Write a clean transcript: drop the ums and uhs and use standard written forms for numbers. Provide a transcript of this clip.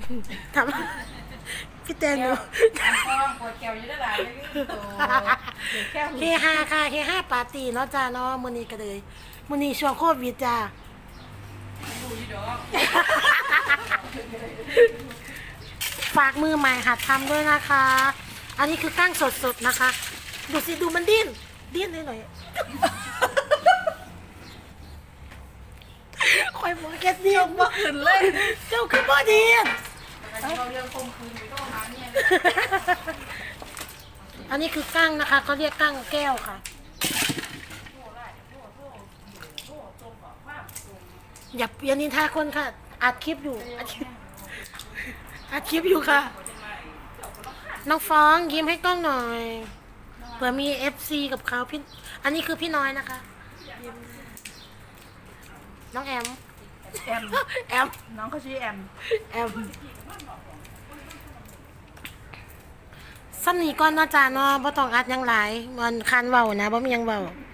ทำพี่แตงหนูปวดแก้วอยู่ได้หลายเลยแก้วเฮฮาค่ะเฮฮาปาร์ตี้เนาะจ้าเนาะมื้อนี้ก็เลยมื้อนี้ช่วงโควิดจ้าดูอยู่ดอกฝากมือใหม่หัดทำด้วยนะคะ อันนี้คือกั้งสดๆนะคะ ดูสิดูมันดิ้นได้หน่อยคอยบอกแค่ดิ้นบ่ขึ้นเลยเจ้าคือบ่ดิ้นเราเรื่องคมคืนไปต้องหาเนี่ยอันนี้คือกั้งนะคะเขาเรียกกั้งแก้วค่ะ อย่านินทาคนค่ะอัดคลิปอยู่อัดคลิปอยู่ค่ะ น้องฟ้องยิ้มให้กล้องหน่อยเผื่อมี FC กับเขาพี่อันนี้คือพี่น้อยนะคะน้องแอมแอมแอมน้องเขาชื่อแอมแอมซ้ำนี้ก่อนเนาะจ้าเนาะบ่ต้องอัดหยังหลายมันคันเว้านะบ่มีหยังเว้า